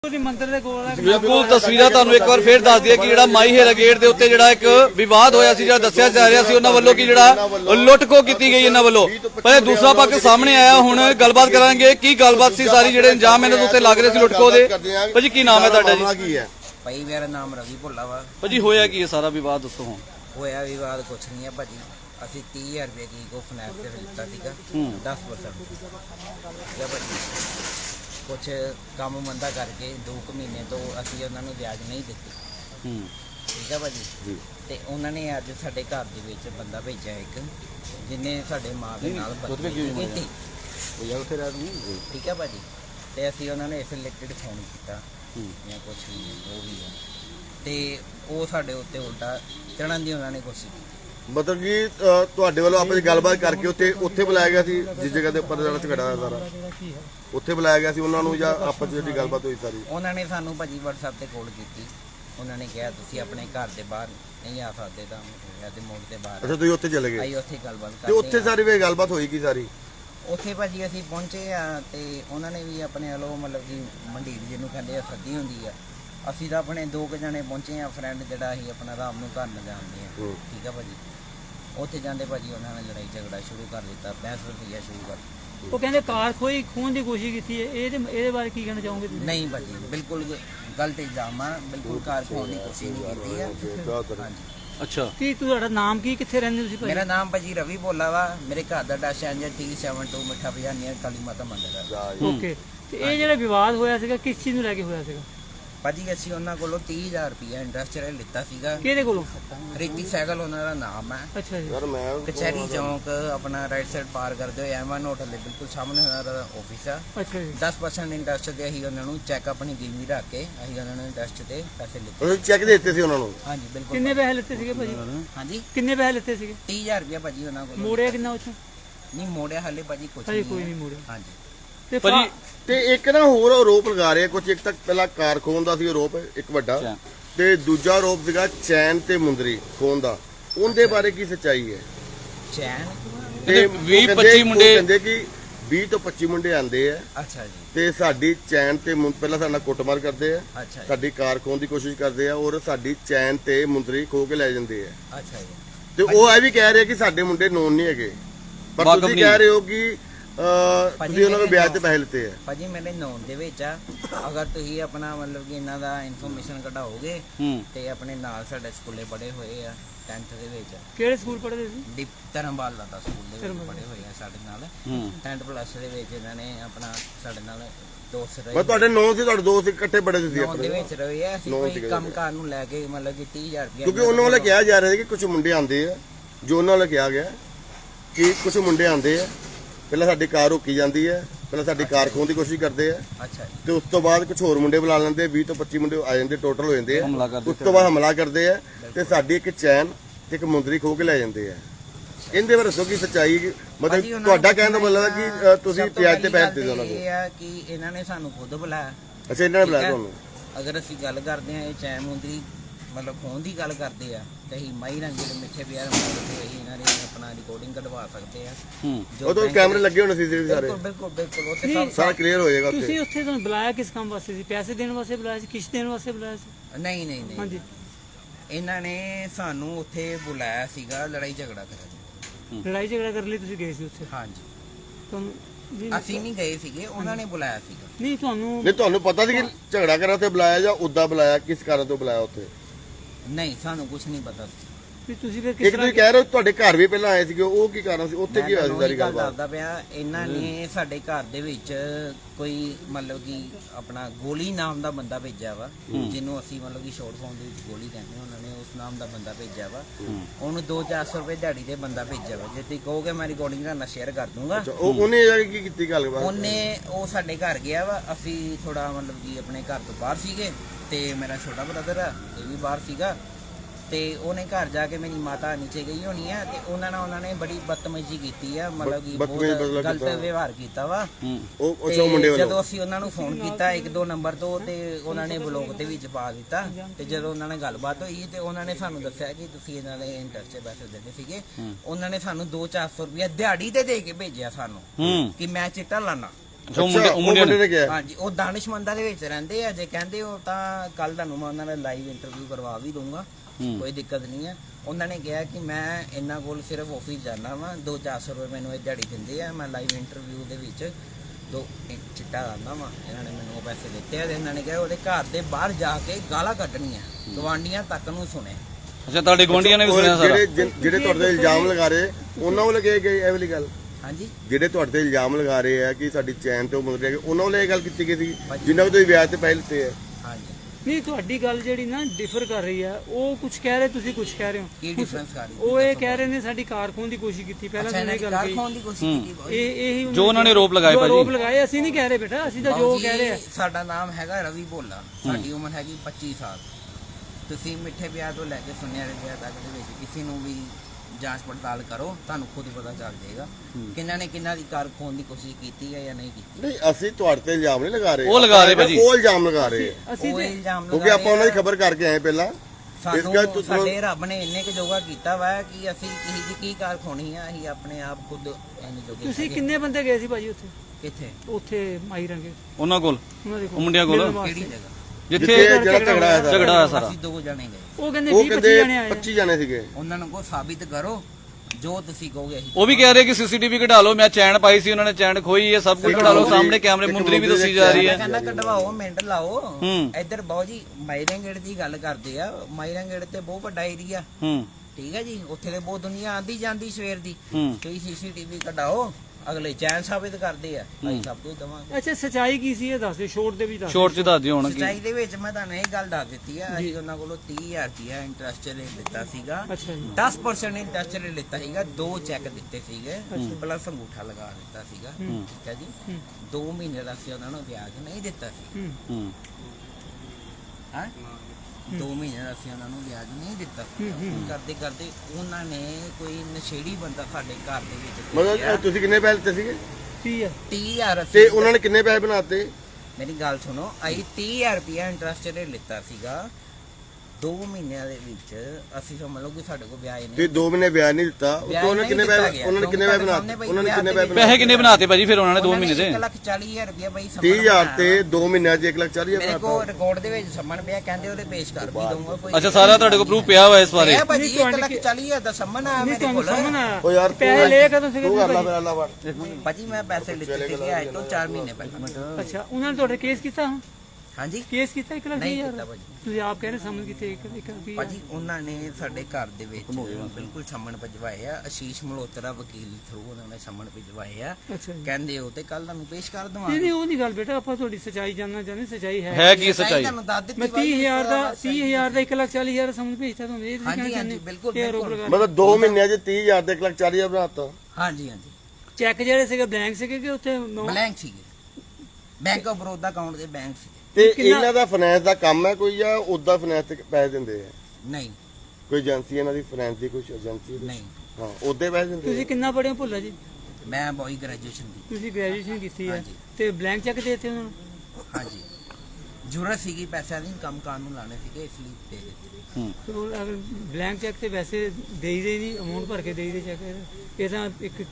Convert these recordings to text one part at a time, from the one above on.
ਬਿਲਕੁਲ ਤਸਵੀਰਾਂ ਤੁਹਾਨੂੰ ਇੱਕ ਵਾਰ ਫੇਰ ਦੱਸ ਦਈਏ ਕਿ ਜਿਹੜਾ ਮਾਈ ਹੇਰਾ ਗੇਟ ਦੇ ਉੱਤੇ ਜਿਹੜਾ ਇੱਕ ਵਿਵਾਦ ਹੋਇਆ ਸੀ, ਜਿਹੜਾ ਦੱਸਿਆ ਜਾ ਰਿਹਾ ਸੀ ਉਹਨਾਂ ਵੱਲੋਂ ਕਿ ਜਿਹੜਾ ਲੁੱਟਖੋ ਕੀਤੀ ਗਈ ਇਹਨਾਂ ਵੱਲੋਂ, ਪਰ ਇਹ ਦੂਸਰਾ ਪੱਖ ਸਾਹਮਣੇ ਆਇਆ। ਹੁਣ ਗੱਲਬਾਤ ਕਰਾਂਗੇ ਕੀ ਗੱਲਬਾਤ ਸੀ ਸਾਰੀ, ਜਿਹੜੇ ਇੰਜਾਮ ਇਹਨਾਂ ਦੇ ਉੱਤੇ ਲੱਗ ਰਹੇ ਸੀ ਲੁੱਟਖੋ ਦੇ। ਭਾਜੀ ਕੀ ਨਾਮ ਹੈ ਤੁਹਾਡਾ ਜੀ? ਭਾਈ ਮੇਰਾ ਨਾਮ ਰਵੀ ਭੁੱਲਾ ਵਾ। ਭਾਜੀ ਹੋਇਆ ਕੀ ਹੈ ਸਾਰਾ ਵਿਵਾਦ ਦੱਸੋ ਹੁਣ। ਹੋਇਆ ਵਿਵਾਦ ਕੁਛ ਨਹੀਂ ਹੈ ਭਾਜੀ, ਅਸੀਂ 30,000 ਰੁਪਏ ਕੀ ਕੋ ਫਾਈਨੈਂਸ ਤੇ ਲਿੱਤਾ ਸੀਗਾ 10%। ਠੀਕ ਹੈ ਭਾਜੀ, ਕੁਛ ਕੰਮ ਮੰਦਾ ਕਰਕੇ 2 ਮਹੀਨੇ ਤੋਂ ਅਸੀਂ ਉਹਨਾਂ ਨੂੰ ਵਿਆਜ ਨਹੀਂ ਦਿੱਤੀ। ਠੀਕ ਹੈ ਭਾਜੀ, ਤੇ ਉਹਨਾਂ ਨੇ ਅੱਜ ਸਾਡੇ ਘਰ ਦੇ ਵਿੱਚ ਬੰਦਾ ਭੇਜਿਆ ਇੱਕ, ਜਿਹਨੇ ਸਾਡੇ ਮਾਂ ਦੇ ਨਾਲ ਬਦਤਮੀਜ਼ੀ ਕੀਤੀ। ਠੀਕ ਹੈ ਭਾਜੀ, ਤੇ ਅਸੀਂ ਉਹਨਾਂ ਨੇ ਇਸ ਰਿਲੇਟਡ ਫੋਨ ਕੀਤਾ ਜਾਂ ਕੁਛ ਵੀ ਉਹ ਵੀ ਹੈ, ਤੇ ਉਹ ਸਾਡੇ ਉੱਤੇ ਉਲਟਾ ਚੜਨ ਦੀ ਉਹਨਾਂ ਨੇ ਕੋਸ਼ਿਸ਼ ਕੀਤੀ। ਮਤਲਬ ਕਿ ਤੁਹਾਡੇ ਵੱਲੋਂ ਆਪਸ ਵਿੱਚ ਗੱਲਬਾਤ ਕਰਕੇ ਉੱਥੇ ਬੁਲਾਇਆ ਗਿਆ ਸੀ ਜਿਸ ਜਗ੍ਹਾ ਦੇ ਉੱਪਰ ਜਿਹੜਾ ਝਗੜਾ ਹੋਇਆ ਸਾਰਾ, ਉੱਥੇ ਬੁਲਾਇਆ ਗਿਆ ਸੀ ਉਹਨਾਂ ਨੂੰ ਜਾਂ ਆਪਸ ਵਿੱਚ ਜਿਹੜੀ ਗੱਲਬਾਤ ਹੋਈ ਸਾਰੀ? ਉਹਨਾਂ ਨੇ ਸਾਨੂੰ ਭਾਜੀ WhatsApp ਤੇ ਕਾਲ ਕੀਤੀ, ਉਹਨਾਂ ਨੇ ਕਿਹਾ ਤੁਸੀਂ ਆਪਣੇ ਘਰ ਦੇ ਬਾਹਰ ਨਹੀਂ ਆ ਸਕਦੇ ਤਾਂ ਤੇ ਮੋੜ ਦੇ ਬਾਹਰ। ਅੱਛਾ, ਤੁਸੀਂ ਉੱਥੇ ਚਲੇ ਗਏ? ਆਈ ਉੱਥੇ ਗੱਲਬਾਤ ਤੇ ਉੱਥੇ ਸਾਰੀ ਵੇ ਗੱਲਬਾਤ ਹੋਈ ਕੀ ਸਾਰੀ? ਉੱਥੇ ਭਾਜੀ ਅਸੀਂ ਪਹੁੰਚੇ ਆ ਤੇ ਉਹਨਾਂ ਨੇ ਵੀ ਆਪਣੇ ਵੱਲੋਂ ਮਤਲਬ ਕਿ ਮੰਡੀਰ ਜਿਹਨੂੰ ਕਹਿੰਦੇ ਆ ਸੱਦੀ ਹੁੰਦੀ ਆ, ਅਸੀਂ ਤਾਂ ਆਪਣੇ 2 ਜਣੇ ਪਹੁੰਚੇ ਆ ਫਰੈਂਡ, ਜਿਹੜਾ ਅਸੀਂ ਆਪਣਾ ਰਾਮ ਨੂੰ ਘਰ ਨੂੰ ਜਾਣਦੇ ਆ। ਠੀਕ ਆ ਭਾਜੀ, ਉੱਥੇ ਜਾਂਦੇ ਭਾਜੀ ਉਹਨਾਂ ਨੇ ਲੜਾਈ ਝਗੜਾ ਸ਼ੁਰੂ ਕਰ ਦਿੱਤਾ, ਬਹਿਸ ਵਰਤੀਆ ਸ਼ੁਰੂ ਕਰ ਦਿੱਤੀ। ਉਹ ਕਹਿੰਦੇ ਕਾਰ ਖੋਈ ਖੋਹਣ ਦੀ ਕੋਸ਼ਿਸ਼ ਕੀਤੀ ਹੈ, ਇਹਦੇ ਬਾਰੇ ਕੀ ਕਹਿਣਾ ਚਾਹੋਗੇ ਤੁਸੀਂ? ਨਹੀਂ ਭਾਜੀ, ਬਿਲਕੁਲ ਗਲਤ ਇਲਜ਼ਾਮ ਆ, ਬਿਲਕੁਲ ਕਾਰ ਖੋਹਣ ਦੀ ਕੋਸ਼ਿਸ਼ ਨਹੀਂ ਕੀਤੀ ਆ। ਹਾਂਜੀ। ਅੱਛਾ, ਕੀ ਤੁਹਾਡਾ ਨਾਮ ਕੀ, ਕਿੱਥੇ ਰਹਿੰਦੇ ਤੁਸੀਂ ਭਾਈ? ਮੇਰਾ ਨਾਮ ਭਾਜੀ ਰਵੀ ਭੋਲਾ ਵਾ, ਮੇਰੇ ਘਰ ਦਾ ਐਡਰੈਸ ਹੈ 372 ਮਿੱਠਾ ਬਾਜ਼ਾਰ ਨੀਅਰ ਕਾਲੀ ਮਾਤਾ ਮੰਦਿਰ ਦਾ। ਓਕੇ, ਤੇ ਇਹ ਜਿਹੜਾ ਵਿਵਾਦ ਹੋਇਆ ਸੀਗਾ ਕਿਸ ਚੀਜ਼ ਨੂੰ ਲੈ ਕੇ ਹੋਇਆ ਸੀਗਾ? ਭਾਜੀ ਅਸੀਂ ਉਹਨਾਂ ਕੋਲੋਂ 30,000 ਰੁਪਏ ਇੰਟਰਸਟ ਤੇ ਲਿੱਤਾ ਸੀਗਾ। ਕਿਹਦੇ ਕੋਲੋਂ? ਰਿੱਕੀ ਸਾਈਕਲ ਉਹਨਾਂ ਦਾ ਨਾਮ ਹੈ। ਅੱਛਾ ਜੀ। ਯਾਰ ਮੈਂ ਕਚਹਿਰੀ ਚੌਂਕ ਆਪਣਾ ਰਾਈਟ ਸਾਈਡ ਪਾਰ ਕਰਦੇ ਹੋਏ ਐਮਨ ਹੋਟਲ ਦੇ ਬਿਲਕੁਲ ਸਾਹਮਣੇ ਉਹਨਾਂ ਦਾ ਆਫਿਸ ਆ। ਅੱਛਾ ਜੀ। 10% ਇੰਟਰਸਟ ਤੇ ਅਸੀਂ ਉਹਨਾਂ ਨੂੰ ਚੈੱਕ ਆਪਣੀ ਗਿਣਵੀ ਰੱਖ ਕੇ ਅਸੀਂ ਉਹਨਾਂ ਨੂੰ ਇੰਟਰਸਟ ਤੇ ਪੈਸੇ ਲਿੱਤੇ। ਤੁਸੀਂ ਚੈੱਕ ਦੇ ਦਿੱਤੇ ਸੀ ਉਹਨਾਂ ਨੂੰ? ਹਾਂਜੀ ਬਿਲਕੁਲ। ਕਿੰਨੇ ਪੈਸੇ ਲਿੱਤੇ ਸੀਗੇ ਭਾਜੀ? ਹਾਂਜੀ, ਕਿੰਨੇ ਪੈਸੇ ਲਿੱਤੇ ਸੀਗੇ? 30,000 ਰੁਪਏ ਭਾਜੀ ਉਹਨਾਂ ਕੋਲ। ਮੋੜਿਆ ਕਿੰਨਾ ਉੱਥੋਂ? ਨਹੀਂ ਮੋੜਿਆ ਹਾਲੇ ਭਾਜੀ ਕੁਝ ਭਾਜੀ ਕੋਈ ਨਹੀਂ ਮੋੜਿਆ। ਹਾਂਜੀ। ਤੇ ਭਾਜੀ ਤੇ ਇੱਕ ਨਾ ਹੋਰ ਆਰੋਪ ਲਗਾ ਰਹੇ ਕੁਝ, ਇੱਕ ਤੱਕ ਪਹਿਲਾਂ ਕਾਰ ਖੋਹਣ ਦਾ ਸੀ ਆਰੋਪ ਇੱਕ ਵੱਡਾ, ਤੇ ਦੂਜਾ ਆਰੋਪ ਸੀਗਾ ਚੈਨ ਤੇ ਮੁੰਦਰੀ ਖੋਹਣ ਦਾ, ਉਹਦੇ ਬਾਰੇ ਕੀ ਸੱਚਾਈ ਹੈ? ਚੈਨ ਤੇ 20-25 ਮੁੰਡੇ ਕਹਿੰਦੇ ਕਿ 20 ਤੋਂ 25 ਮੁੰਡੇ ਆਂਦੇ ਆ ਅੱਛਾ ਜੀ। ਤੇ ਸਾਡੀ ਚੈਨ ਤੇ ਪਹਿਲਾਂ ਸਾਡੇ ਨਾਲ ਕੁੱਟਮਾਰ ਕਰਦੇ ਆ, ਅੱਛਾ ਜੀ। ਸਾਡੀ ਕਾਰ ਖੋਹਣ ਦੀ ਕੋਸ਼ਿਸ਼ ਕਰਦੇ ਆ ਔਰ ਸਾਡੀ ਚੈਨ ਤੇ ਮੁੰਦਰੀ ਖੋਹ ਕੇ ਲੈ ਜਾਂਦੇ ਆ। ਅੱਛਾ ਜੀ। ਤੇ ਉਹ ਇਹ ਵੀ ਕਹਿ ਰਹੇ ਕਿ ਸਾਡੇ ਮੁੰਡੇ ਨੋਨ ਨਹੀਂ ਹੈਗੇ, ਪਰ ਤੁਸੀਂ ਕਹਿ ਰਹੇ ਹੋ ਕਿ ਤੁਸੀਂ ਉਹਨਾਂ ਨੂੰ ਵਿਆਜ ਤੇ ਪੈਸੇ ਲਿੱਤੇ ਆ। ਭਾਜੀ ਮੇਰੇ ਨੌਨ ਦੇ ਵਿੱਚ ਆ, ਅਗਰ ਤੁਸੀਂ ਆਪਣਾ ਮਤਲਬ ਕਿ ਇਹਨਾਂ ਦਾ ਇਨਫੋਰਮੇਸ਼ਨ ਕਢਾਓਗੇ ਤੇ ਆਪਣੇ ਨਾਲ ਸਾਡੇ ਸਕੂਲੇ ਪੜ੍ਹੇ ਹੋਏ ਆ 10th ਦੇ ਵਿੱਚ। ਕਿਹੜੇ ਸਕੂਲ ਪੜ੍ਹਦੇ ਸੀ? ਦੀਪ ਧਰਮਵਾਲ ਦਾ ਸਕੂਲ ਦੇ ਵਿੱਚ ਪੜ੍ਹੇ ਹੋਏ ਆ ਸਾਡੇ ਨਾਲ। 10th+ ਦੇ ਵਿੱਚ ਇਹਨਾਂ ਨੇ ਆਪਣਾ ਸਾਡੇ ਨਾਲ ਦੋਸਤ ਰਹੇ। ਮੈਂ ਤੁਹਾਡੇ ਨੌਨ ਸੀ, ਤੁਹਾਡੇ ਦੋਸਤ ਇਕੱਠੇ ਪੜ੍ਹੇ ਸੀ ਨੌਨ ਆਪਣੇ ਦੇ ਵਿੱਚ ਰਹੇ ਆ ਅਸੀਂ ਕੋਈ ਕੰਮਕਾਰ ਨੂੰ ਲੈ ਕੇ ਮਤਲਬ ਕਿ 30,000 ਰੁਪਏ। ਕਿਉਂਕਿ ਉਹਨਾਂ ਵੱਲੋਂ ਕਿਹਾ ਜਾ ਰਿਹਾ ਸੀ ਕਿ ਕੁਝ ਮੁੰਡੇ ਆਂਦੇ ਆ, ਜੋ ਉਹਨਾਂ ਵੱਲੋਂ ਕਿਹਾ ਗਿਆ ਕਿ ਕੁਝ ਮੁੰਡੇ ਆਂਦੇ ਆ, ਪਹਿਲਾਂ ਸਾਡੀ ਕਾਰ ਰੋਕੀ ਜਾਂਦੀ ਹੈ, ਪਹਿਲਾਂ ਸਾਡੀ ਕਾਰ ਖੋਹਣ ਦੀ ਕੋਸ਼ਿਸ਼ ਕਰਦੇ ਆ, ਅੱਛਾ ਜੀ। ਤੇ ਉਸ ਤੋਂ ਬਾਅਦ ਕੁਝ ਹੋਰ ਮੁੰਡੇ ਬੁਲਾ ਲੈਂਦੇ, 20 ਤੋਂ 25 ਮੁੰਡੇ ਆ ਜਾਂਦੇ, ਟੋਟਲ ਹੋ ਜਾਂਦੇ ਆ, ਉਸ ਤੋਂ ਬਾਅਦ ਹਮਲਾ ਕਰਦੇ ਆ ਤੇ ਸਾਡੀ ਇੱਕ ਚੈਨ ਤੇ ਇੱਕ ਮੁੰਦਰੀ ਖੋਹ ਕੇ ਲੈ ਜਾਂਦੇ ਆ। ਇਹਦੇ ਬਾਰੇ ਦੱਸੋ ਕੀ ਸੱਚਾਈ? ਮਤਲਬ ਤੁਹਾਡਾ ਕਹਿਣ ਦਾ ਮਤਲਬ ਹੈ ਕਿ ਤੁਸੀਂ ਵਿਆਜ ਤੇ ਪੈਸੇ ਦੇ ਦੋ। ਇਹ ਆ ਕਿ ਇਹਨਾਂ ਨੇ ਸਾਨੂੰ ਖੁਦ ਬੁਲਾਇਆ। ਅੱਛਾ, ਇਹਨਾਂ ਨੇ ਬੁਲਾਇਆ ਤੁਹਾਨੂੰ? ਅਗਰ ਅਸੀਂ ਗੱਲ ਕਰਦੇ ਆ ਇਹ ਚੈਨ ਮੁੰਦਰੀ ਮਤਲਬ ਖੋਹਣ ਦੀ ਗੱਲ ਕਰਦੇ ਆ ਤੇ ਅਸੀਂ ਮਾਈ ਰੰਗੇ ਦੇ ਮਿੱਠੇ ਪਿਆਰ ਮਾਰਦੇ ਅਸੀਂ ਇਹਨਾਂ ਦੀ ਆਪਣਾ ਰਿਕਾਰਡਿੰਗ ਕਢਵਾ ਸਕਦੇ ਆ। ਉਹ ਤਾਂ ਕੈਮਰੇ ਲੱਗੇ ਹੋਣੇ ਸੀ ਸਾਰੇ? ਬਿਲਕੁਲ ਬਿਲਕੁਲ ਉੱਥੇ ਸਭ ਸਾਰਾ ਕਲੀਅਰ ਹੋ ਜਾਏਗਾ। ਤੁਸੀਂ ਉੱਥੇ ਤੁਹਾਨੂੰ ਬੁਲਾਇਆ ਕਿਸ ਕੰਮ ਵਾਸਤੇ ਸੀ? ਪੈਸੇ ਦੇਣ ਵਾਸਤੇ ਬੁਲਾਇਆ ਸੀ? ਕਿਸ਼ਤ ਦੇਣ ਵਾਸਤੇ ਬੁਲਾਇਆ ਸੀ? ਨਹੀਂ ਨਹੀਂ ਨਹੀਂ। ਹਾਂਜੀ। ਇਹਨਾਂ ਨੇ ਸਾਨੂੰ ਉੱਥੇ ਬੁਲਾਇਆ ਸੀਗਾ ਲੜਾਈ ਝਗੜਾ ਕਰਨ। ਲੜਾਈ ਝਗੜਾ ਕਰਨ ਲਈ ਤੁਸੀਂ ਗਏ ਸੀ ਉੱਥੇ? ਹਾਂਜੀ। ਤੁਹਾਨੂੰ ਅਸੀਂ ਨਹੀਂ ਗਏ ਸੀਗੇ, ਉਹਨਾਂ ਨੇ ਬੁਲਾਇਆ ਸੀਗਾ। ਨਹੀਂ ਤੁਹਾਨੂੰ ਨਹੀਂ, ਤੁਹਾਨੂੰ ਪਤਾ ਸੀ ਕਿ ਝਗੜਾ ਕਰਨ ਤੇ ਬੁਲਾਇਆ ਜਾਂ ਉਦਾਂ ਬੁਲਾਇਆ, ਕਿਸ ਕਾਰਨ ਤੋਂ ਬੁਲਾਇਆ ਉੱਥੇ? ਨਹੀਂ ਸਾਨੂੰ ਕੁਝ ਨਹੀਂ ਪਤਾ। ਵੀ ਤੁਸੀਂ ਫਿਰ ਇੱਕ ਕਿਸ ਤੁਸੀਂ ਕਹਿ ਰਹੇ ਹੋ ਤੁਹਾਡੇ ਘਰ ਵੀ ਪਹਿਲਾਂ ਆਏ ਸੀਗੇ, ਉਹ ਕੀ ਕਾਰਨ ਸੀ? ਉੱਥੇ ਕੀ ਹੋਇਆ ਸੀ ਸਾਰੀ ਗੱਲ ਗੱਲਬਾਤ? ਦੱਸਦਾ ਪਿਆ। ਇਹਨਾਂ ਨੇ ਸਾਡੇ ਘਰ ਦੇ ਵਿੱਚ ਕੋਈ ਮਤਲਬ ਕਿ ਆਪਣਾ ਗੋਲੀ ਨਾਮ ਦਾ ਬੰਦਾ ਭੇਜਿਆ ਵਾ, ਜਿਹਨੂੰ ਅਸੀਂ ਮਤਲਬ ਕਿ ਸ਼ੋਰਟ ਫਾਰਮ ਦੇ ਵਿੱਚ ਗੋਲੀ ਕਹਿੰਦੇ ਹਾਂ। ਉਹਨਾਂ ਨੇ ਉਸ ਨਾਮ ਦਾ ਬੰਦਾ ਭੇਜਿਆ ਵਾ, ਉਹਨੂੰ 200-400 ਰੁਪਏ ਦਿਹਾੜੀ ਦੇ ਬੰਦਾ ਭੇਜਿਆ ਵਾ। ਜੇ ਤੁਸੀਂ ਕਹੋਗੇ ਮੈਂ ਰਿਕਾਰਡਿੰਗ ਨਾਲ ਸ਼ੇਅਰ ਕਰ ਦੂੰਗਾ। ਉਹਨੇ ਜਾ ਕੇ ਕੀ ਕੀਤੀ ਗੱਲਬਾਤ? ਉਹ ਸਾਡੇ ਘਰ ਗਿਆ ਵਾ, ਅਸੀਂ ਥੋੜਾ ਮਤਲਬ ਕਿ ਆਪਣੇ ਘਰ ਤੋਂ ਬਾਹਰ ਸੀਗੇ ਤੇ ਮੇਰਾ ਛੋਟਾ ਬ੍ਰਦਰ ਆ ਇਹ ਵੀ ਬਾਹਰ ਸੀਗਾ, ਤੇ ਉਹਨੇ ਘਰ ਜਾ ਕੇ ਮੇਰੀ ਮਾਤਾ ਨੀਚੇ ਗਈ ਹੋਣੀ ਆ ਤੇ ਉਹਨਾਂ ਨੇ ਬੜੀ ਬਦਤਮੀਜ਼ੀ ਕੀਤੀ ਆ, ਮਤਲਬ ਕਿ ਬਹੁਤ ਗਲਤ ਵਿਵਹਾਰ ਕੀਤਾ ਵਾ। ਜਦੋਂ ਅਸੀਂ ਉਹਨਾਂ ਨੂੰ ਫੋਨ ਕੀਤਾ 1-2 ਨੰਬਰ ਤੋਂ ਤੇ ਉਹਨਾਂ ਨੇ ਬਲੌਗ ਦੇ ਵਿੱਚ ਪਾ ਦਿੱਤਾ, ਤੇ ਜਦੋਂ ਉਹਨਾਂ ਨਾਲ ਗੱਲਬਾਤ ਹੋਈ ਤੇ ਉਹਨਾਂ ਨੇ ਸਾਨੂੰ ਦੱਸਿਆ ਕਿ ਤੁਸੀਂ ਇਹਨਾਂ ਦੇ ਇੰਟਰਸਟ 'ਚ ਪੈਸੇ ਦਿੰਦੇ ਸੀਗੇ। ਉਹਨਾਂ ਨੇ ਸਾਨੂੰ 200-400 ਰੁਪਏ ਦਿਹਾੜੀ ਤੇ ਦੇ ਕੇ ਭੇਜਿਆ ਸਾਨੂੰ ਕਿ ਮੈਂ ਚਿੱਟਾ ਲਾਣਾ। ਜੋ ਅੱਛਾ, ਉਹ ਮੁੰਡੇ ਨੇ ਕਿਹਾ ਹਾਂਜੀ ਉਹ ਦਾਨਿਸ਼ਮੰਦਾਂ ਦੇ ਵਿੱਚ ਰਹਿੰਦੇ ਆ। ਜੇ ਕਹਿੰਦੇ ਹੋ ਤਾਂ ਕੱਲ ਤੁਹਾਨੂੰ ਮੈਂ ਉਹਨਾਂ ਨਾਲ ਲਾਈਵ ਇੰਟਰਵਿਊ ਕਰਵਾ ਵੀ ਦੂੰਗਾ, ਕੋਈ ਦਿੱਕਤ ਨਹੀਂ ਹੈ। ਉਹਨਾਂ ਨੇ ਕਿਹਾ ਕਿ ਮੈਂ ਇਹਨਾਂ ਕੋਲ ਸਿਰਫ ਆਫਿਸ ਜਾਣਾ ਵਾ, 200-400 ਰੁਪਏ ਮੈਨੂੰ ਇਹ ਦਿਹਾੜੀ ਦਿੰਦੇ ਆ, ਮੈਂ ਲਾਈਵ ਇੰਟਰਵਿਊ ਦੇ ਵਿੱਚ ਇੱਕ ਚਿੱਟਾ ਆਉਂਦਾ ਵਾ, ਇਹਨਾਂ ਨੇ ਮੈਨੂੰ ਉਹ ਪੈਸੇ ਦਿੱਤੇ ਆ। ਤੇ ਇਹਨਾਂ ਨੇ ਕਿਹਾ ਉਹਦੇ ਘਰ ਦੇ ਬਾਹਰ ਜਾ ਕੇ ਗਾਲਾਂ ਕੱਢਣੀਆਂ, ਗਵਾਂਡੀਆਂ ਤੱਕ ਨੂੰ ਸੁਣੇ। ਅੱਛਾ, ਤੁਹਾਡੇ ਗੁਆਂਢੀਆਂ ਨੇ ਵੀ ਸੁਣਿਆ ਸਾਰਾ? ਜਿਹੜੇ ਤੁਹਾਡੇ ਤੇ ਇਲਜ਼ਾਮ ਲਗਾ ਰਹੇ ਉਹਨਾਂ ਵੱਲ ਗਏ ਇਹ ਵਾਲੀ ਗੱਲ? ਹਾਂਜੀ, ਜਿਹੜੇ ਤੁਹਾਡੇ ਤੇ ਇਲਜ਼ਾਮ ਲਗਾ ਰਹੇ ਆ ਕਿ ਸਾਡੀ ਚੈਨ ਤੇ ਉਹ ਮੰਗ ਰਹੇ ਉਹਨਾਂ ਵੱਲ ਇਹ ਗੱਲ ਕੀਤੀ ਗਈ ਸੀ ਜਿਨ੍ਹਾਂ ਕੋਲ ਤੁਸੀਂ ਵਿਆਜ ਤੇ ਪੈਸੇ ਲਿੱਤੇ ਆ? ਹਾਂਜੀ। ਨਹੀਂ, ਤੁਹਾਡੀ ਗੱਲ ਜਿਹੜੀ ਨਾ ਡਿਫਰ ਕਰ ਰਹੀ ਆ, ਉਹ ਕੁਝ ਕਹਿ ਰਹੇ, ਤੁਸੀਂ ਕੁਝ ਕਹਿ ਰਹੇ ਹੋ। ਕੀ ਡਿਫਰੈਂਸ ਕਰ ਰਹੀ? ਉਹ ਇਹ ਕਹਿ ਰਹੇ ਨੇ ਸਾਡੀ ਕਾਰ ਖੋਹਣ ਦੀ ਕੋਸ਼ਿਸ਼ ਕੀਤੀ, ਪਹਿਲਾਂ ਅੱਛਾ, ਤਾਂ ਇਹ ਗੱਲ ਕਾਰ ਕਹੀ। ਖੋਹਣ ਦੀ ਕੋਸ਼ਿਸ਼ ਕੀਤੀ। ਇਹੀ ਜੋ ਉਹਨਾਂ ਨੇ ਆਰੋਪ ਲਗਾਏ ਭਾਜੀ। ਆਰੋਪ ਲਗਾਏ, ਅਸੀਂ ਨਹੀਂ ਕਹਿ ਰਹੇ ਬੇਟਾ, ਅਸੀਂ ਤਾਂ ਜੋ ਕਹਿ ਰਹੇ ਆ। ਸਾਡਾ ਨਾਮ ਹੈਗਾ ਰਵੀ ਭੋਲਾ, ਸਾਡੀ ਉਮਰ ਹੈਗੀ 25 ਸਾਲ। ਤੁਸੀਂ ਮਿੱਠੇ ਵਿਆਹ ਤੋਂ ਲੈ ਕੇ ਸੁਨਿਆਰੇ ਵਿਆਹ ਤੱਕ ਦੇ ਵਿੱਚ ਕਿਸੇ ਨੂੰ ਵੀ ਜਾਂਚ ਪੜਤਾਲ ਕਰੋ, ਤੁਹਾਨੂੰ ਖੁਦ ਪਤਾ ਚੱਲ ਜਾਏਗਾ ਕਿੰਨਾਂ ਨੇ ਕਿੰਨਾਂ ਦੀ ਕਾਰ ਖੋਹਣ ਦੀ ਕੋਸ਼ਿਸ਼ ਕੀਤੀ ਹੈ ਜਾਂ ਨਹੀਂ ਕੀਤੀ। ਨਹੀਂ, ਅਸੀਂ ਤੁਹਾਡੇ ਤੇ ਇਲਜ਼ਾਮ ਨਹੀਂ ਲਗਾ ਰਹੇ, ਉਹ ਲਗਾ ਰਹੇ ਭਾਜੀ। ਉਹ ਇਲਜ਼ਾਮ ਲਗਾ ਰਹੇ ਆ। ਅਸੀਂ ਉਹ ਤੇ ਇਲਜ਼ਾਮ ਕਿਉਂਕਿ ਲਗਾ ਆਪਾਂ ਉਹਨਾਂ ਦੀ ਖਬਰ ਕਰਕੇ ਆਏ ਪਹਿਲਾਂ। ਸਾਨੂੰ ਸਾਡੇ ਰੱਬ ਨੇ ਇੰਨੇ ਕੁ ਜੋਗਾ ਕੀਤਾ ਵਾ ਕਿ ਅਸੀਂ ਕਿਸੇ ਦੀ ਕੀ ਕਾਰ ਖੋਣੀ ਆ, ਅਸੀਂ ਆਪਣੇ ਆਪ ਖੁਦ ਇੰਨੇ ਜੋਗੇ। ਤੁਸੀਂ ਕਿੰਨੇ ਬੰਦੇ ਗਏ ਸੀ ਭਾਜੀ ਉੱਥੇ? ਕਿੱਥੇ? ਉੱਥੇ ਮਾਈ ਰੰਗੇ ਉਹਨਾਂ ਕੋਲ, ਉਹਨਾਂ ਦੇ ਉਹ ਮੁੰਡਿਆਂ ਕੋਲ, ਮਿਲਣ ਵਾਸਤੇ। ਕਿਹੜੀ ਜਗ੍ਹਾ? ਜਿੱਥੇ ਜਿਹੜਾ ਝਗੜਾ ਆਇਆ ਸੀ। ਝਗੜਾ ਹੋਇਆ ਸਾਰਾ। ਅਸੀਂ 2 ਜਣੇ ਗਏ। ਉਹ ਕਹਿੰਦੇ ਉਹ 20-25 ਕਹਿੰਦੇ ਜਣੇ ਆਏ ਆ। 25 ਜਾਣੇ ਸੀਗੇ। ਉਹਨਾਂ ਨੂੰ ਕੋ ਸਾਬਿਤ ਕਰੋ ਜੋ ਤੁਸੀਂ ਕਹੋਗੇ ਅਸੀਂ। ਉਹ ਵੀ ਕਹਿ ਰਹੇ ਕਿ ਸੀਸੀਟੀਵੀ ਕਢਾ ਲਓ, ਮੈਂ ਚੈਨ ਪਾਈ ਸੀ, ਉਹਨਾਂ ਨੇ ਚੈਨ ਖੋਈ ਹੈ, ਸਭ ਕੁਝ ਕਢਾ ਲਓ, ਸਾਹਮਣੇ ਕੈਮਰੇ ਮੁੰਦਰੀ ਵੀ ਦੱਸੀ ਜਾ ਰਹੀ ਮੈਂ ਹੈ। ਕਹਿੰਦਾ ਕਢਵਾਓ, ਮਿੰਟ ਲਾਓ। ਹੂੰ। ਇੱਧਰ ਬਾਊ ਜੀ ਮਾਇਰੰਗੇੜ ਦੀ ਗੱਲ ਕਰਦੇ ਆ। ਮਾਇਰੰਗੇੜ ਤੇ ਬਹੁਤ ਵੱਡਾ ਏਰੀਆ, ਹੂੰ ਠੀਕ ਹੈ ਜੀ। ਉੱਥੇ ਤੇ ਬਹੁਤ ਦੁਨੀਆ ਆਂਦੀ ਜਾਂਦੀ ਸਵੇਰ ਦੀ। ਹੂੰ। ਤੁਸੀਂ ਸੀਸੀਟੀਵੀ ਕਢਾਓ, ਅਗਲੇ ਚੈਨ ਸਾਬਿਤ ਕਰਦੇ ਆ, ਅਸੀਂ ਸਭ ਕੁਝ ਦਵਾਂਗੇ। ਅੱਛਾ, ਸਚਾਈ ਕੀ ਸੀ ਇਹ ਦੱਸ ਦਿਓ, ਸ਼ੋਰਟ ਦੇ ਵੀ ਦੱਸ ਦਿਓ। ਸ਼ੋਰਟ ਚ ਦੱਸ ਦਿਓ ਹੁਣ ਕੀ। ਸੱਚਾਈ ਦੇ ਵਿੱਚ ਮੈਂ ਤੁਹਾਨੂੰ ਇਹ ਗੱਲ ਦੱਸ ਦਿੱਤੀ ਆ, ਅਸੀਂ ਉਹਨਾਂ ਕੋਲੋਂ 30,000 ਰੁਪਇਆ ਇੰਟਰਸਟ ਰੇਟ ਲਿੱਤਾ ਸੀਗਾ। ਅੱਛਾ ਜੀ। 10% ਇੰਟਰਸਟ ਰੇਟ ਲਿੱਤਾ ਸੀਗਾ, 2 ਚੈੱਕ ਦਿੱਤੇ ਸੀਗੇ, ਪਲੱਸ ਅੰਗੂਠਾ ਲਗਾ ਦਿੱਤਾ ਸੀਗਾ, ਠੀਕ ਹੈ ਜੀ। 2 ਮਹੀਨੇ ਦਾ ਅਸੀਂ ਉਹਨਾਂ ਨੂੰ ਵਿਆਜ ਨਹੀਂ ਦਿੱਤਾ ਸੀ। ਹੂੰ ਹਾਂ, 2 ਮਹੀਨੇ ਦਾ ਅਸੀਂ ਉਹਨਾਂ ਨੂੰ ਵਿਆਜ ਨਹੀਂ ਦਿੱਤਾ। ਕਰਦੇ ਕਰਦੇ ਉਹਨਾਂ ਨੇ ਕੋਈ ਨਸ਼ੇੜੀ ਬੰਦਾ ਸਾਡੇ ਘਰ ਦੇ ਵਿੱਚ ਮਤਲਬ ਤੁਸੀਂ ਕਿੰਨੇ ਪੈਸੇ ਲਿੱਤੇ ਸੀਗੇ? 30,000 ਤੇ ਉਹਨਾਂ ਨੇ ਕਿੰਨੇ ਪੈਸੇ ਬਣਾਤੇ? ਮੇਰੀ ਗੱਲ ਸੁਣੋ, ਅਸੀਂ 30,000 ਰੁਪਇਆ ਇੰਟਰਸਟ ਰੇਟ ਲਿੱਤਾ ਸੀਗਾ। 2 ਮਹੀਨਿਆਂ ਦੇ ਵਿੱਚ ਅਸੀਂ ਸਮਝ ਲਓ ਕਿ ਸਾਡੇ ਕੋਲ ਵਿਆਜ ਨਹੀਂ। ਤੇ 2 ਮਹੀਨੇ ਵਿਆਜ ਨਹੀਂ ਦਿੱਤਾ। ਉਹਨਾਂ ਨੇ ਕਿੰਨੇ ਪੈਸੇ ਬਣਾਤੇ? ਉਹਨਾਂ ਨੇ ਕਿੰਨੇ ਪੈਸੇ ਕਿੰਨੇ ਬਣਾਤੇ ਭਾਜੀ ਫਿਰ ਉਹਨਾਂ ਨੇ 2 ਮਹੀਨੇ ਦੇ? 1,40,000 ਰੁਪਇਆ ਬਾਈ 30,000 ਤੇ 2 ਮਹੀਨਿਆਂ 'ਚ 1,40,000 ਮੇਰੇ ਕੋਲ ਰਿਕਾਰਡ ਦੇ ਵਿੱਚ ਸੰਮਨ ਪਿਆ, ਕਹਿੰਦੇ ਉਹਦੇ ਪੇਸ਼ ਕਰ ਵੀ ਦਊਂਗਾ ਕੋਈ। ਅੱਛਾ, ਸਾਰਾ ਤੁਹਾਡੇ ਕੋਲ ਪ੍ਰੂਫ ਪਿਆ ਹੋਇਆ ਇਸ ਬਾਰੇ? ਇਹ ਭਾਜੀ 1,40,000 ਦਾ ਸੰਮਨ ਆ ਮੇਰੇ ਕੋਲ। ਸਮਝ ਆਇਆ। ਉਹ ਯਾਰ ਪੈਸੇ ਲੈ ਕਦੋਂ ਸੀਗੇ ਤੂੰ ਕਰ ਲਾ ਤੁਸੀਂ? ਮੇਰਾ ਲਾ ਵੜ। ਭਾਜੀ ਮੈਂ ਪੈਸੇ ਲਿੱਤੇ ਸੀਗੇ ਅੱਜ ਤੋਂ 4 ਮਹੀਨੇ ਪਹਿਲਾਂ। ਅੱਛਾ, ਉਹਨਾਂ ਨੇ ਤੁਹਾਡੇ ਕੇਸ ਕੀਤਾ? ਹਾਂਜੀ, ਕੇਸ ਕੀਤਾ 1 ਲੱਖ ਨਹੀਂ 20,000? ਕੀਤਾ ਭਾਜੀ। ਤੁਸੀਂ ਆਪ ਕਹਿੰਦੇ ਸਮਝ ਕਿਤੇ 1 ਲੱਖ 20,000? ਭਾਜੀ ਉਹਨਾਂ ਨੇ ਸਾਡੇ ਘਰ ਦੇ ਵਿੱਚ ਬਿਲਕੁਲ ਸੰਮਨ ਭਜਵਾਏ ਆ। ਆਸ਼ੀਸ਼ ਮਲਹੋਤਰਾ ਵਕੀਲ ਥਰੂ ਉਹਨਾਂ ਨੇ ਸੰਮਨ ਭਜਵਾਏ ਆ। ਅੱਛਾ ਜੀ। ਕਹਿੰਦੇ ਉਹ ਤੇ ਕੱਲ ਤੁਹਾਨੂੰ ਪੇਸ਼ ਕਰ ਨਹੀਂ ਦਵਾਂਗੇ। ਨਹੀਂ, ਉਹ ਨਹੀਂ ਗੱਲ ਬੇਟਾ, ਆਪਾਂ ਤੁਹਾਡੀ ਸਚਾਈ ਜਾਨਣਾ ਚਾਹੁੰਦੇ। ਸਚਾਈ ਹੈ ਕੀ ਸੱਚਾਈ? ਤੁਹਾਨੂੰ ਦੱਸ ਦਿੱਤੀ ਮੈਂ 30,000 ਦਾ 1,40,000 ਸਮਝ ਭੇਜਤਾ ਤੁਹਾਨੂੰ। ਇਹ ਤੁਸੀਂ ਹਾਂਜੀ, ਕਹਿਣਾ ਹਾਂਜੀ, ਚਾਹੁੰਦੇ ਬਿਲਕੁਲ, ਇਹ ਆਰੋਪ ਬਿਲਕੁਲ। ਲਗਾ ਮਤਲਬ 2 ਮਹੀਨਿਆਂ 'ਚ 30,000 ਤੇ 1,40,000 ਬਣਾਤਾ। ਹਾਂਜੀ ਹਾਂਜੀ, ਚੈੱਕ ਜਿਹੜੇ ਸੀਗੇ ਬਲੈਂਕ ਸੀਗੇ ਕਿ ਉੱਥੇ ਬਲੈਂਕ ਸੀਗੇ, ਬੈਂਕ ਆਫ ਬਰੋਦਾ ਅਕਾਊਂਟ ਦੇ ਬੈਂਕ ਸੀਗੇ। ਤੇ ਇਹਨਾਂ ਦਾ ਫਾਈਨੈਂਸ ਦਾ ਕੰਮ ਹੈ ਕੋਈ ਜਾਂ ਉਦਾਂ ਫਾਈਨੈਂਸ ਤੇ ਪੈਸੇ ਦਿੰਦੇ ਆ? ਨਹੀਂ ਕੋਈ ਏਜੰਸੀ ਇਹਨਾਂ ਦੀ ਫਾਈਨੈਂਸ ਦੀ ਕੋਈ ਏਜੰਸੀ? ਨਹੀਂ, ਹਾਂ, ਉਦਾਂ ਪੈਸੇ ਦਿੰਦੇ ਤੁਸੀਂ ਕਿੰਨਾ ਪੜ੍ਹੇ ਹੋ ਭੁੱਲਾ ਜੀ? ਮੈਂ ਬੋਈ ਗ੍ਰੈਜੂਏਸ਼ਨ ਦੀ। ਤੁਸੀਂ ਗ੍ਰੈਜੂਏਸ਼ਨ ਕੀਤੀ ਹੈ ਹਾਂਜੀ। ਤੇ ਬਲੈਂਕ ਚੈੱਕ ਦੇਤੇ ਉਹਨਾਂ ਨੂੰ? ਹਾਂਜੀ, ਜ਼ਰੂਰਤ ਸੀਗੀ ਪੈਸਿਆਂ ਦੀ, ਕੰਮ ਕਾਰ ਨੂੰ ਲਾਣੇ ਸੀਗੇ, ਇਸ ਲਈ ਦੇ ਦਿੱਤੇ। ਤੇ ਉਹ ਅਗਰ ਬਲੈਂਕ ਚੈੱਕ ਤੇ ਵੈਸੇ ਦੇਈਦੇ ਨਹੀਂ, ਅਮਾਉਂਟ ਭਰ ਕੇ ਦੇਈਦੇ ਚੈੱਕ। ਇਹ ਤਾਂ ਇੱਕ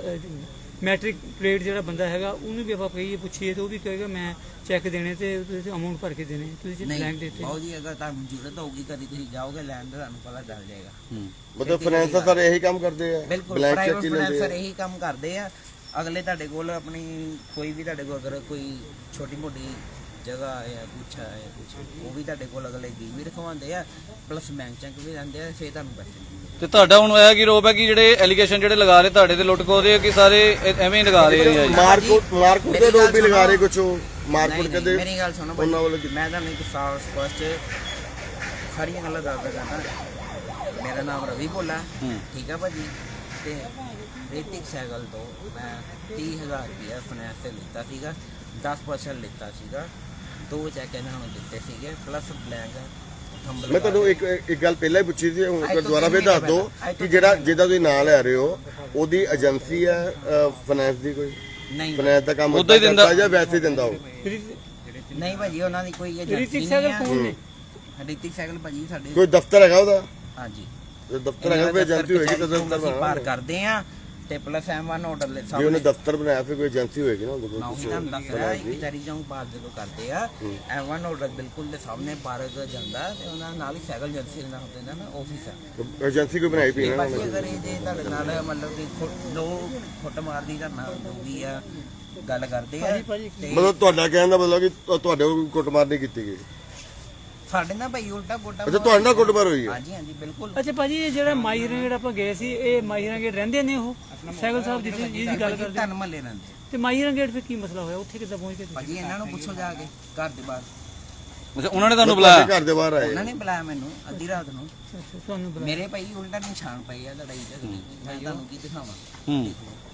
ਮੈਟ੍ਰਿਕ ਪਲੇਟ ਜਿਹੜਾ ਬੰਦਾ ਹੈਗਾ ਉਹਨੂੰ ਵੀ ਆਪਾਂ ਕਹੀਏ ਪੁੱਛੀਏ ਤੇ ਉਹ ਵੀ ਕਹੇਗਾ ਮੈਂ ਚੈੱਕ ਦੇਣੇ ਤੇ ਤੁਸੀਂ ਅਮਾਉਂਟ ਭਰ ਕੇ ਦੇਣੇ। ਤੁਸੀਂ ਬਲੈਂਕ ਨਹੀਂ ਦੇਤੇ। ਬਾਊ ਜੀ, ਅਗਰ ਤੁਹਾਨੂੰ ਜ਼ਰੂਰਤ ਹੋਊਗੀ ਕਦੀ ਤੁਸੀਂ ਜਾਓਗੇ ਲੈਣ ਦਾ, ਤੁਹਾਨੂੰ ਪਤਾ ਚੱਲ ਜਾਏਗਾ। ਮਤਲਬ ਫਾਈਨੈਂਸ ਦਾ ਸਰ ਇਹੀ ਕੰਮ ਕਰਦੇ ਆ? ਬਿਲਕੁਲ, ਬਲੈਂਕ ਪ੍ਰਾਈਵੇਟ ਚੈੱਕ ਹੀ ਲੈਂਦੇ ਫਾਈਨੈਂਸਰ ਆ? ਇਹੀ ਕੰਮ ਕਰਦੇ ਆ। ਅਗਲੇ ਤੁਹਾਡੇ ਕੋਲ ਆਪਣੀ ਕੋਈ ਵੀ ਤੁਹਾਡੇ ਕੋਲ ਅਗਰ ਕੋਈ ਛੋਟੀ ਮੋਟੀ ਜਗ੍ਹਾ ਹੈ ਕੁਛ ਹੈ ਕੁਛ, ਉਹ ਵੀ ਤੁਹਾਡੇ ਕੋਲ ਅਗਲੇ ਵੀ ਰਖਵਾਉਂਦੇ ਆ, ਪਲੱਸ ਬੈਂਕ ਚੈੱਕ ਵੀ ਲੈਂਦੇ ਆ, ਫਿਰ ਤੁਹਾਨੂੰ ਪੈਸੇ ਦਿੰਦੇ ਆ। ਤੇ ਤੁਹਾਡਾ ਹੁਣ ਹੋਇਆ ਕੀ ਰੋਪ ਹੈ ਕਿ ਜਿਹੜੇ ਐਲੀਗੇਸ਼ਨ ਜਿਹੜੇ ਲਗਾ ਰਹੇ ਤੁਹਾਡੇ ਤੇ ਲੁੱਟ ਖੋਦੇ ਕਿ ਸਾਰੇ ਐਵੇਂ ਹੀ ਲਗਾ ਰਹੇ ਆ ਜੀ? ਮਾਰਕੁੱਟ ਦੇ ਲੋਕ ਵੀ ਲਗਾ ਰਹੇ ਕੁਛ। ਮਾਰਕੁੱਟ ਕਹਿੰਦੇ ਮੇਰੀ ਗੱਲ ਸੁਣੋ ਉਹਨਾਂ ਵੱਲੋਂ ਭਾਈ, ਮੈਂ ਤੁਹਾਨੂੰ ਇੱਕ ਸਾਫ ਸਪਸ਼ਟ ਸਾਰੀਆਂ ਗੱਲਾਂ ਦੱਸਦਾ ਜਾਂਦਾ। ਮੇਰਾ ਨਾਮ ਰਵੀ ਭੋਲਾ, ਠੀਕ ਆ ਭਾਜੀ। ਤੇ ਰੇਤਿਕ ਸਾਈਕਲ ਤੋਂ ਮੈਂ 30,000 ਰੁਪਇਆ ਫਾਈਨੈਂਸ ਤੇ ਲਿੱਤਾ ਸੀਗਾ, 10% ਲਿੱਤਾ ਸੀਗਾ, 2 ਚੈੱਕ ਇਹਨਾਂ ਨੂੰ ਦਿੱਤੇ ਸੀਗੇ, ਪਲੱਸ ਬਲੈਂਕ। ਮੈਂ ਤੁਹਾਨੂੰ ਇੱਕ ਗੱਲ ਪਹਿਲਾਂ ਹੀ ਪੁੱਛੀ ਸੀ, ਹੁਣ ਦੁਬਾਰਾ ਫਿਰ ਦੱਸ ਦਿਓ ਕਿ ਜਿਹੜਾ ਜਿਹਦਾ ਤੁਸੀਂ ਨਾਂ ਲੈ ਰਹੇ ਹੋ ਉਹਦੀ ਏਜੰਸੀ ਹੈ ਫਾਈਨੈਂਸ ਦੀ ਕੋਈ? ਨਹੀਂ ਫਾਈਨੈਂਸ ਦਾ ਕੰਮ ਉੱਦਾਂ ਹੀ ਦਿੰਦਾ ਜਾਂ ਵੈਸੇ ਹੀ ਦਿੰਦਾ ਉਹ? ਨਹੀਂ ਭਾਜੀ, ਉਹਨਾਂ ਦੀ ਕੋਈ ਏਜੰਸੀ ਰਿਤਿਕ ਨਹੀਂ ਸਾਈਕਲ ਹੈ। ਕੌਣ ਨੇ? ਰਿਤਿਕ ਸਾਈਕਲ ਭਾਜੀ ਸਾਡੇ। ਕੋਈ ਦਫ਼ਤਰ ਹੈਗਾ ਉਹਦਾ? ਹਾਂਜੀ, ਜੇ ਦਫ਼ਤਰ ਹੈਗਾ ਕੋਈ ਏਜੰਸੀ ਹੋਏਗੀ ਤਾਂ ਅਸੀਂ ਦਫ਼ਤਰ ਪਾਰ ਕਰਦੇ ਆ। ਤੇ ਪਲੱਸ M1 ਆਰਡਰ ਲੈ ਜੇ ਸਾਹਮਣੇ ਉਹਨੇ ਦਫ਼ਤਰ ਬਣਾਇਆ ਫਿਰ ਕੋਈ ਏਜੰਸੀ ਹੋਏਗੀ ਨਾ ਉਹਦੇ ਕੋਲ ਨਾ ਉਹੀ ਤੁਹਾਨੂੰ ਦੱਸ ਰਿਹਾ ਇੱਕ ਵਿਚਾਰੀ ਜੰਗ ਪਾਸ ਜਦੋਂ ਕਰਦੇ ਆ M1 ਆਰਡਰ ਬਿਲਕੁਲ ਦੇ ਸਾਹਮਣੇ ਪਾਰਕ ਜਾਂਦਾ ਤੇ ਉਹਨਾਂ ਨਾਲ ਹੀ ਸਾਈਕਲ ਏਜੰਸੀ ਦਾ ਨਾਮ ਦਿੰਦਾ ਨਾ ਆਫਿਸ ਆ ਏਜੰਸੀ ਕੋਈ ਬਣਾਈ ਪਈ ਨਾ ਬਾਕੀ ਅਗਰ ਇਹ ਜੇ ਤੁਹਾਡੇ ਨਾਲ ਮਤਲਬ ਕਿ ਲੋ ਫੁੱਟ ਮਾਰਦੀ ਦਾ ਨਾਲ ਹੋਊਗੀ ਆ ਗੱਲ ਕਰਦੇ ਆ ਤੇ ਮਤਲਬ ਤੁਹਾਡਾ ਕਹਿਣ ਦਾ ਮਤਲਬ ਕਿ ਤੁਹਾਡੇ ਕੋਲ ਕੁੱਟਮਾਰ ਨਹੀਂ ਕੀਤੀ ਗਈ। ਸਾਡੇ ਨਾਲ ਭਾਈ ਉਲਟਾ ਗੋਟਾ ਅੱਛਾ ਤੁਹਾਡੇ ਨਾਲ ਕੁੱਟਮਾਰ ਹੋਈ ਹੈ। ਹਾਂਜੀ ਹਾਂਜੀ ਬਿਲਕੁਲ ਅੱਛਾ ਭਾਜੀ ਇਹ ਜਿਹੜਾ ਮਾਹੀਰਾਂ ਗੇਟ ਆਪਾਂ ਗਏ ਸੀ ਇਹ ਮਾਹੀਰਾਂ ਗੇਟ ਰਹਿੰਦੇ ਨੇ ਉਹ ਸਾਈਕਲ ਸਾਹਿਬ ਜਿਹਦੀ ਗੱਲ ਕਰਦੇ ਧਨ ਮੱਲੇ ਰਹਿੰਦੇ ਤੇ ਮਾਹੀਰਾਂ ਗੇਟ ਫਿਰ ਕੀ ਮਸਲਾ ਹੋਇਆ ਉੱਥੇ ਕਿੱਦਾਂ ਪਹੁੰਚ ਗਏ ਤੁਸੀਂ? ਭਾਜੀ ਇਹਨਾਂ ਨੂੰ ਪੁੱਛੋ ਜਾ ਕੇ ਘਰ ਦੇ ਬਾਹਰ ਅੱਛਾ ਉਹਨਾਂ ਨੇ ਤੁਹਾਨੂੰ ਬੁਲਾਇਆ? ਘਰ ਦੇ ਬਾਹਰ ਆਏ ਉਹਨਾਂ ਨੇ ਬੁਲਾਇਆ ਮੈਨੂੰ ਅੱਧੀ ਰਾਤ ਨੂੰ ਅੱਛਾ, ਤੁਹਾਨੂੰ ਬੁਲਾ ਮੇਰੇ ਭਾਈ ਉਲਟਾ ਨਿਸ਼ਾਨ ਪਏ ਆ ਲੜਾਈ ਝਗੜੇ ਮੈਂ ਤੁਹਾਨੂੰ ਕੀ ਦਿਖਾਵਾਂ ਹੂੰ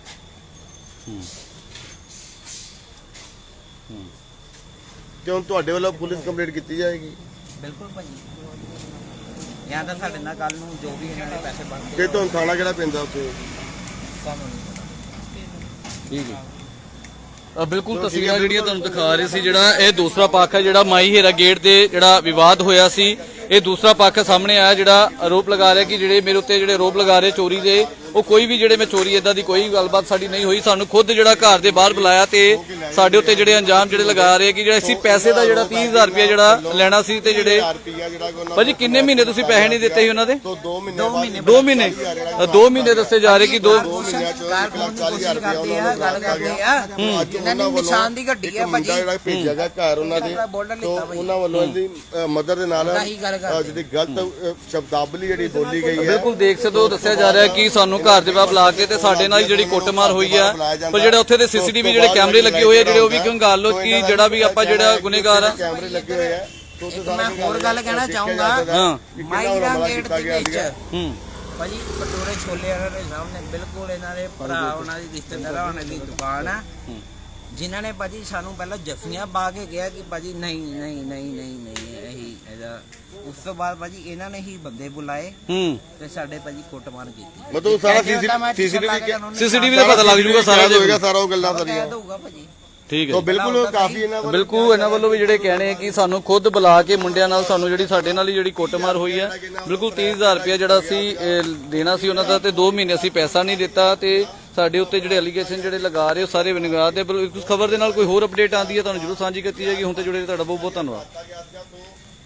ਤੇ ਹੁਣ ਤੁਹਾਡੇ ਵੱਲੋਂ ਪੁਲਿਸ ਕੰਪਲੇਂਟ ਕੀਤੀ ਜਾਏਗੀ ਬਿਲਕੁਲ ਭਾਜੀ ਜਾਂ ਤਾਂ ਸਾਡੇ ਨਾਲ ਕੱਲ ਨੂੰ ਜੋ ਵੀ ਇਹਨਾਂ ਨੇ ਪੈਸੇ ਬਣਦੇ ਤੇ ਤੁਹਾਨੂੰ ਥਾਣਾ ਕਿਹੜਾ ਪੈਂਦਾ ਉੱਥੇ? ਸਾਨੂੰ ਨਹੀਂ ਪਤਾ ਠੀਕ ਹੈ। ਬਿਲਕੁਲ ਤਸਵੀਰਾਂ ਜਿਹੜੀਆਂ ਤੁਹਾਨੂੰ ਦਿਖਾ ਰਹੇ ਸੀ ਜਿਹੜਾ ਇਹ ਦੂਸਰਾ ਪੱਖ ਹੈ ਜਿਹੜਾ ਮਾਈ ਹੀਰਾ ਗੇਟ ਤੇ ਜਿਹੜਾ ਵਿਵਾਦ ਹੋਇਆ ਸੀ ਇਹ ਦੂਸਰਾ ਪੱਖ ਸਾਹਮਣੇ ਆਇਆ ਜਿਹੜਾ ਆਰੋਪ ਲਗਾ ਰਿਹਾ ਕਿ ਜਿਹੜੇ ਮੇਰੇ ਉੱਤੇ ਜਿਹੜੇ ਆਰੋਪ ਲਗਾ ਰਹੇ ਚੋਰੀ ਦੇ ਉਹ ਕੋਈ ਵੀ ਜਿਹੜੇ ਮੈਂ ਚੋਰੀ ਇਦਾਂ ਦੀ ਕੋਈ ਗੱਲਬਾਤ ਸਾਡੀ ਨਹੀਂ ਹੋਈ ਸਾਨੂੰ ਖੁਦ ਜਿਹੜਾ ਘਰ ਦੇ ਬਾਹਰ ਬੁਲਾਇਆ ਤੇ ਸਾਡੇ ਉੱਤੇ ਜਿਹੜੇ ਅੰਜਾਮ ਜਿਹੜੇ ਲਗਾ ਰਹੇ ਕਿ ਜਿਹੜਾ ਅਸੀਂ ਪੈਸੇ ਦਾ ਜਿਹੜਾ 30000 ਰੁਪਏ ਜਿਹੜਾ ਲੈਣਾ ਸੀ ਤੇ ਜਿਹੜੇ ਰੁਪਿਆ ਜਿਹੜਾ ਕਿ ਉਹਨਾਂ ਭਾਜੀ ਕਿੰਨੇ ਮਹੀਨੇ ਤੁਸੀਂ ਪੈਸੇ ਨਹੀਂ ਦਿੱਤੇ ਸੀ ਉਹਨਾਂ ਦੇ? ਤੋਂ 2 ਮਹੀਨੇ 2 ਮਹੀਨੇ ਦੱਸੇ ਜਾ ਰਹੇ ਕਿ 2 ਮਹੀਨਿਆਂ ਚ 1,40,000 ਰੁਪਇਆ ਕਰਦੇ ਆ ਗੱਲ ਕਰਦੇ ਆ ਅੱਜ ਇਹਨਾਂ ਨੇ ਨਿਸ਼ਾਨ ਦੀ ਗੱਡੀ ਆ ਭਾਜੀ ਜਿਹੜਾ ਭੇਜਿਆ ਗਿਆ ਘਰ ਉਹਨਾਂ ਦੇ ਤੋਂ ਉਹਨਾਂ ਵੱਲੋਂ ਇਹਦੀ ਮਦਰ ਦੇ ਨਾਲ ਜਿਹੜੀ ਗਲਤ ਸ਼ਬਦਾਵਲੀ ਜਿਹੜੀ ਬੋਲੀ ਗਈ ਹੈ ਬਿਲਕੁਲ ਦੇਖ ਸਕਦੇ ਹੋ ਦੱਸਿਆ ਜਾ ਰਿਹਾ ਕਿ ਸਾਨੂੰ ਘਰ ਦੇ ਬਾਹਰ ਬੁਲਾ ਕੇ ਤੇ ਸਾਡੇ ਨਾਲ ਜਿਹੜੀ ਕੁੱਟਮਾਰ ਹੋਈ ਆ ਪਰ ਜਿਹੜੇ ਉੱਥੇ ਦੇ ਸੀਸੀਟੀਵੀ ਜਿਹੜੇ ਕੈਮਰੇ ਲੱਗੇ ਹੋਏ ਆ ਜਿਹੜੇ ਉਹ ਵੀ ਕੰਗਾਲ ਲੋ ਕਿ ਜਿਹੜਾ ਵੀ ਆਪਾਂ ਜਿਹੜਾ ਗੁਨੇਗਾਰ ਆ ਕੈਮਰੇ ਲੱਗੇ ਹੋਏ ਆ ਮੈਂ ਹੋਰ ਗੱਲ ਕਹਿਣਾ ਚਾਹੂੰਗਾ ਹਾਂ ਮਾਈਰਾ ਗੇਟ ਦੇ ਵਿੱਚ ਹੂੰ ਭਾਜੀ ਭਟੂਰੇ ਛੋਲੇ ਵਾਲਿਆਂ ਦੇ ਸਾਹਮਣੇ ਬਿਲਕੁਲ ਇਹਨਾਂ ਦੇ ਭਰਾ ਉਹਨਾਂ ਦੀ ਰਿਸ਼ਤੇਦਾਰਾਂ ਉਹਨਾਂ ਦੀ ਦੁਕਾਨ ਆ ਜਿਨ੍ਹਾਂ ਨੇ ਭਾਜੀ ਸਾਨੂੰ ਪਹਿਲਾਂ ਜੱਫੀਆਂ ਪਾ ਕੇ ਕਿਹਾ ਕਿ ਭਾਜੀ ਨਹੀਂ ਨਹੀਂ ਨਹੀਂ ਨਹੀਂ ਨਹੀਂ ਇਹੀ ਇਹਦਾ ਉਸ ਤੋਂ ਬਾਅਦ ਭਾਜੀ ਇਹਨਾਂ ਨੇ ਹੀ ਬੰਦੇ ਬੁਲਾਏ ਹੂੰ ਤੇ ਸਾਡੇ ਭਾਜੀ ਕੁੱਟਮਾਰ ਕੀਤੀ ਮਤਲਬ ਸਾਰਾ ਸੀਸੀਟੀਵੀ ਦਾ ਪਤਾ ਲੱਗ ਜੂਗਾ ਸਾਰਾ ਹੋਏਗਾ ਸਾਰਾ ਉਹ ਗੱਲਾਂ ਸਾਰੀਆਂ ਦਊਗਾ ਭਾਜੀ ਠੀਕ ਹੈ ਤੋਂ ਬਿਲਕੁਲ ਕਾਫੀ ਇਹਨਾਂ ਵੱਲ ਬਿਲਕੁਲ ਇਹਨਾਂ ਵੱਲੋਂ ਵੀ ਜਿਹੜੇ ਕਹਿਣੇ ਕਿ ਸਾਨੂੰ ਖੁਦ ਬੁਲਾ ਕੇ ਮੁੰਡਿਆਂ ਨਾਲ ਸਾਨੂੰ ਜਿਹੜੀ ਸਾਡੇ ਨਾਲ ਹੀ ਜਿਹੜੀ ਕੁੱਟਮਾਰ ਹੋਈ ਹੈ ਬਿਲਕੁਲ 30000 ਰੁਪਏ ਜਿਹੜਾ ਅਸੀਂ ਦੇਣਾ ਸੀ ਉਹਨਾਂ ਦਾ ਤੇ 2 ਮਹੀਨੇ ਅਸੀਂ ਪੈਸਾ ਨਹੀਂ ਦਿੱਤਾ ਤੇ ਸਾਡੇ ਉੱਤੇ ਜਿਹੜੇ ਅਲੀਗੇਸ਼ਨ ਜਿਹੜੇ ਲਗਾ ਰਹੇ ਉਹ ਸਾਰੇ ਵਿਨਗਾਰ ਤੇ ਇਸ ਖਬਰ ਦੇ ਨਾਲ ਕੋਈ ਹੋਰ ਅਪਡੇਟ ਆਉਂਦੀ ਹੈ ਤੁਹਾਨੂੰ ਜਰੂਰ ਸਾਂਝੀ ਕੀਤੀ ਜਾਏਗੀ ਹੁਣ ਤੇ ਜੁੜੇ ਤੁਹਾਡਾ ਬਹੁਤ ਬਹੁਤ ਧੰਨਵਾਦ।